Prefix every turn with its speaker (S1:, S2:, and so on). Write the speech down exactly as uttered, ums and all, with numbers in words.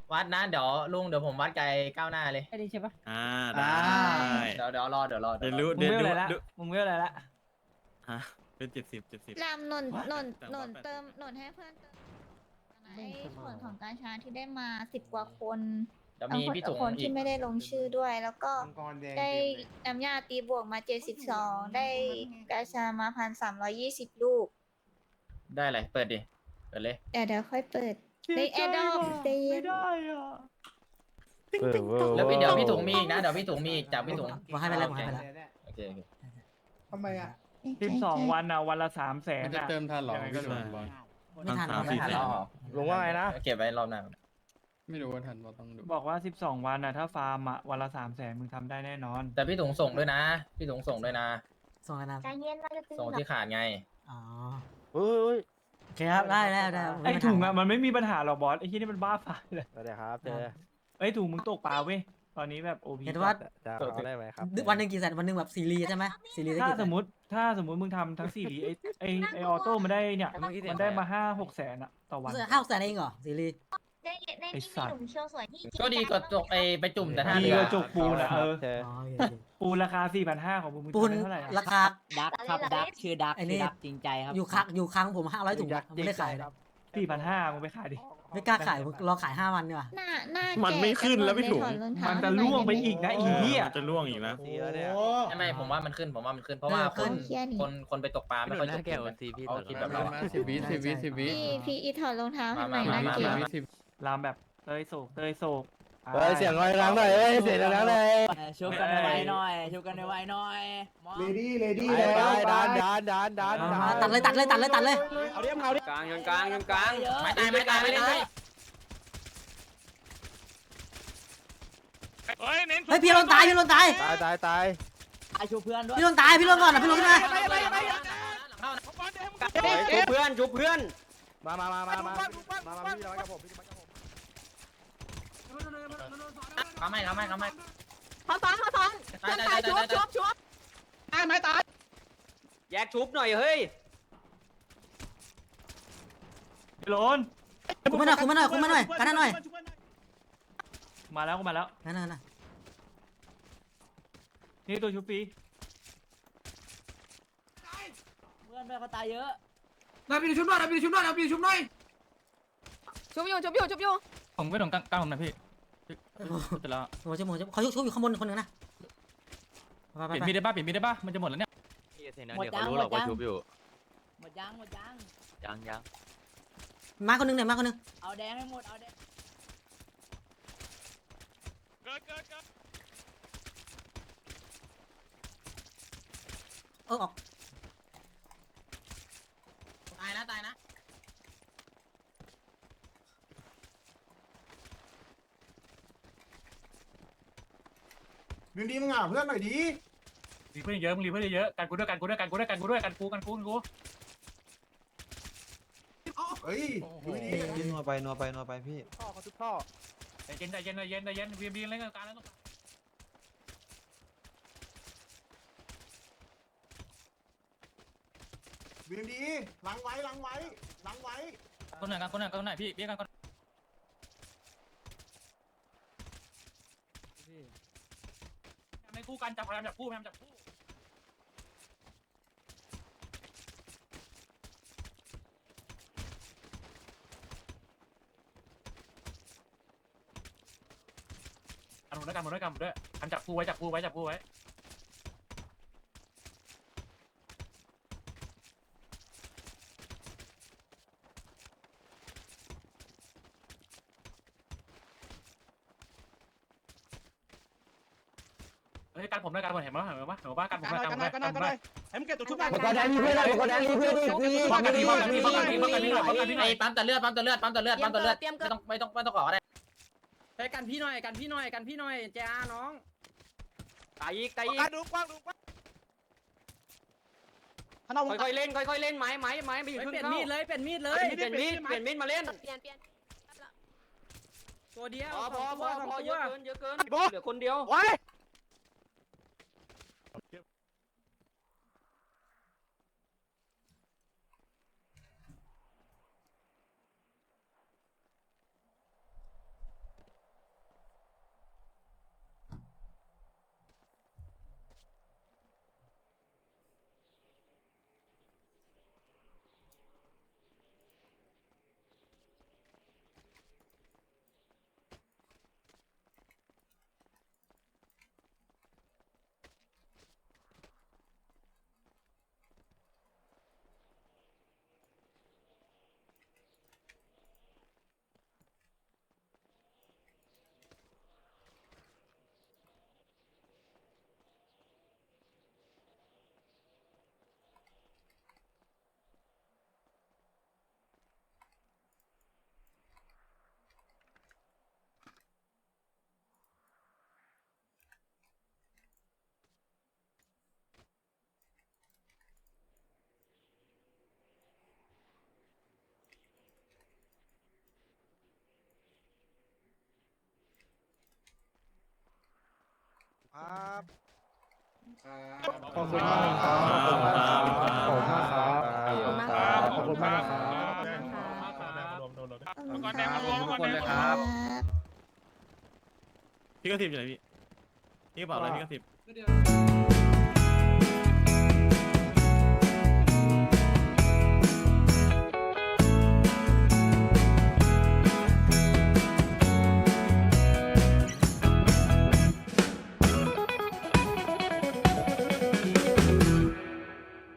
S1: วัดนะเดี๋ยวลุงเดี๋ยวผมวัดไกลก้าวหน้าเลย
S2: ไอ้นี่ใช่ปะ
S3: อ่าได้
S1: เดี๋ยวเดี๋ยวรอเดี๋ยวรอ
S3: เดี๋
S1: เดี๋
S3: ย
S1: ยว วรอ
S3: รู้
S2: มึง
S3: เดี๋ยว
S2: เวล
S3: ดู
S2: อะไรละ
S3: ดู
S2: มึงเวลอะไรละ
S3: ฮะเป็นเจ็ดสิบเจ็ดสิบ
S4: รามนน
S3: What?
S4: นน
S3: แต่
S4: น
S3: ว่า
S4: น
S3: แปดสิบ
S4: เติมนนให้เพื่อนเติมไอ้ส่วนของกาชาที่ได้มาสิบกว่าคน
S1: เดี๋ยว
S4: บาง
S1: มี
S4: คน
S1: พี่
S4: แต่
S1: ถุง
S4: คน
S1: อี
S4: ที่
S1: ก
S4: ไม่ได้ลงชื่อด้วย แล้วก็
S5: มังกรแดง
S4: ได้
S5: เต็มเลย
S4: น้ำยาตีบวกมาเจ็ดสิบสองได้กาชามาพันสามร้อยยี่สิบลูก
S1: ได้เลยเปิดดิเปิดเลย
S4: เดี๋ยวเดี๋ยวค่อยเปิดในแอร์ดอปเต็ม
S2: อ่ะ
S1: แล้วพี่เดี๋ยวพี่ถุงมีอีกนะเดี๋ยวพี่ถุงมีอีกจากพี่ถุง
S6: บอกให้ไปแล้วบอกให้ไปแล้ว
S1: โอเคโอเค
S5: ทำไมอ่ะ
S2: สิบสองวันอ่ะวันละสามแสน
S7: มันจะ
S2: อ่ะ
S7: เติมทันเหรอ
S2: ยังไงก็
S7: พี่
S2: รู้
S7: ถุงบอล
S6: ไม่ทัน
S3: สาม
S6: ไม่
S3: สี่
S6: ทัน
S3: แส
S6: แล้
S3: น
S6: ว
S1: ลุงว่าไงนะเก็บไว้รอบหน้า
S7: ไม่รู้ว่าทันเราต้องดู
S2: บอกว่าสิบสองวันอ่ะถ้าฟาร์มอ่ะวันละสามแสนมึงทำได้แน่นอน
S1: แต่พี่ถุงส่งด้วยนะ พี่ถุงส่งด้วยนะ
S6: ส่งกันนะ
S4: ใจเย็นเราจะตี
S1: ส่งที่ขาดไง
S6: อ๋อ
S8: เฮ้ย
S6: โอเคครับได้ได้ได้
S2: ไอ้ถุงอ่ะมันไม่มีปัญหาหรอกบอสไอ้ที่นี่มันบ้าฝ่ายเลย
S8: สวัสดีครับเจอ
S2: ไอ้ถุงมึงตกปลาเว้ยตอนนี้แบบโอพี
S6: เห็นว่า
S8: จะเอาได้ไหมครับ
S6: วันหนึ่งกี่แสนวันหนึ่งแบบซีรีส์ใช่ไหมซีรีส์ได้
S2: ถ้า
S6: กี่แส
S2: ส
S6: น
S2: มมติถ้าสมมติมึงทำทั้งสี่ลีไอ้ไอ้ไอ้ออโต้มันได้เนี่ยมันได้มาห้าหกแสนอ่ะต่อวัน
S6: ห้าแสนเองเหรอซีรีส์
S4: ได้ได้
S2: ไอ้
S4: นี่
S2: สั
S4: มี
S2: ตว์
S4: หนุ่มเชียวสวยที่
S1: ก็ดีกว่าจกไอไปจุ่มแต่ท่า
S2: ดี
S1: เรื
S2: ก
S1: อ
S2: ว่าจกปูนอ่ะเออ
S8: เจอ
S6: อ๋อโอเคโอเค
S2: ปูนราคาสี่พันห้าของมึงมึง
S6: ปูน
S2: ทำได้เท่าไหร่อะ
S6: ราคา
S9: ดักครับดักชื่อดัก
S6: ไอ้นี่
S9: ชื่อดักจริงใจครับ
S6: อยู่ค้างอยู่ค้างผมห้าร้อยถุงอะไม่ได้ขายนะ
S2: สี่พันห้ามึงไปขายดิ
S6: ไม่กล้าขายผมรอขายห้าวันดีกว่า
S4: หน้าหน้า
S3: มัน
S4: แก่
S3: ไม่ขึ้นแล้วพี่ถุง
S4: ถอดรองเท้า
S2: มันจะล่วงไปอีกนะไอ้เหี้ย
S3: มันจะล่วงอีกนะ
S8: สีแล้วเนี่ย
S1: ไม่ไม่ผมว่ามันขึ้นผมว่ามันขึ้นเพราะว่าคนคนคนไปตกปลาไม่ค่อยจกปูนกันเขาคิดแบบเรา
S7: มาสิบวิสิบวิสิบวิ
S4: พี่พี่อีถอดรองเท้าให้หน่อย
S1: มา
S4: นะ
S1: มา
S4: เก๋
S1: มา
S7: สิบวิสิบ
S2: รามแบบเตยโศกเตยโศก
S8: เฮ้ยเสียงลอยรังหน่อยเฮ้ยเสียงรังหน่อย
S9: เออชุบกันไวๆหน่อยชุบกันไวๆหน่อยมอง
S5: เลดี้เลดี้
S8: ไป
S5: แล้ว
S8: ไปดันดันดันดัน
S6: มาตัดเลยตัดเลยตัดเลยตัดเลย
S8: เอาดิเอาดิ
S9: กลางยังกลางยังกลางเยอะ
S1: ไม่ตายไม่ตายไม่ตาย
S6: เฮ้ยพี่ลนตายพี่ลนตาย
S8: ตายตายตาย
S9: ไอชูเพื่อนด้วย
S6: พี่ลนตายพี่ลนก่อนนะพี่ลนขึ้นมา
S9: ชูเพื่อนชูเพื่อน
S8: มามามามามามามาพี่น้อยกับผมพี่น้อยกับผม
S1: ทำไม่ทำไม่ทำไม่
S9: เขาซ้อนเขาซ้อน
S1: ตายตายตายตายตาย
S9: ชุบตายไหมตายแยกชุบหน่อยเฮ้ย
S2: พี่โลน
S6: คุมมาหน่อยคุมมาหน่อยคุมมาหน่อยกันหน่อย
S2: มาแล้วก็มาแล้ว
S6: กันหน่อยนะ
S2: นี่ตัวชุบปี
S9: เพื่อนเพื่อนเขาตายเยอะ
S5: เราไปดูชุบหน่อยเราไปดูชุบหน่อยเราไปดูชุบหน่อย
S9: ชุบอยู่ชุบอยู่ชุบอยู่
S2: ผมก็ต้องกล้าผมนะพี่จะแล้ว
S6: โอ้ชั่วโมงเขาชุบชุบอยู่ข้างบนคนนึงนะไป
S2: เปลี่ยน
S6: ไป
S2: มีดได้ป่ะเปลี่ยนมีดได้ป่ะมันจะหมดแล้วเนี่ย
S9: หมดยังหมดยังหมดยังหมดยัง
S3: ยังยัง
S6: มาคนนึงเนี่ยมาคนนึง
S9: เอาแดงให้หมดเอาแดง
S6: เออออก
S1: ตายนะตายนะ
S5: ดึงดีมึงอ่ะเพื่อนหน่อยดี
S2: รีเพื่อนเยอะมึงรีเพื่อนเยอะกันกูด้วยกันกูด้วยกันกูด้วยกันกูด้วยกันกูกันกูกันกู
S5: เฮ้ยดูดี
S8: พี่นัวไปนัวไปนัวไปพี่ท่อเขาทุกท่อ
S2: ใจเย็นใจเย็นใจเย็นใจเย็นวีบีเล่นกันการแล้ว
S5: ดึงดีล้างไว้ล้างไว้ล้างไว้
S2: คนไหนกันคนไหนคนไหนพี่เบี้ยกันคนไม่คู่กันจับพยายามจับคู่พยายามจับคู่กันหมดด้วยกันหมดด้วยกันหมดด้วยกันจับคู่ไว้จับคู่ไว้จับคู่ไว้เฮ้ยการผมด้วยการผมเห็นไหมเห็นไหมเห็นไหมการผมด้วยการผมด้วยการผมด้วย
S5: ให้มึงเก็บตัวชุบหน่อย
S8: ก็ได้รีเพื่อนก็ได้รีเพื่อนดิ
S2: ป้องกันพี่ป้องกันพี่ป้องกันพี่ป้องกันพี่ป้องกันพี่
S1: ไอ้ปั๊มแต่เลือดปั๊มแต่เลือดปั๊มแต่เลือดปั๊มแต่เลือด
S9: เตรียม
S1: ไม่
S9: เกิ
S1: ต้องไม่ต้องไม่ต้องก่อก็ได้
S9: ไปกันพี่หน่อยกันพี่หน่อยกันพี่หน่อยเจ้าน้องตายอีกตายอีก
S8: ดูกว้างดูกว้าง
S9: ค่อยๆเล่นค่อยๆเล่นไม้ไม้ไม้ไปอยู่ครึ่งเปลี่ยนมีดเลยเปลี่ยนมีดเลยเปลี่ยนมีดเปลี่ยนมีดมาเล่น
S4: เปลี่ยนเปลี่ยน
S9: ตัวเดียวพอพอพอพอเยอะเกินเยอะเกินเหลือคนเดียว
S8: ไว้ครับ
S5: ขอบคุณมากครับขอบคุณมากครับ
S4: ขอบคุณมากครับ
S5: ขอบคุณมากครับ
S4: ขอบคุณมากครับ
S8: ขอบคุณทุกคนเลยครับ
S3: พี่ก็สิบอยู่ไหนพี่พี่กระเป๋าอะไรพี่ก็สิบ
S2: เ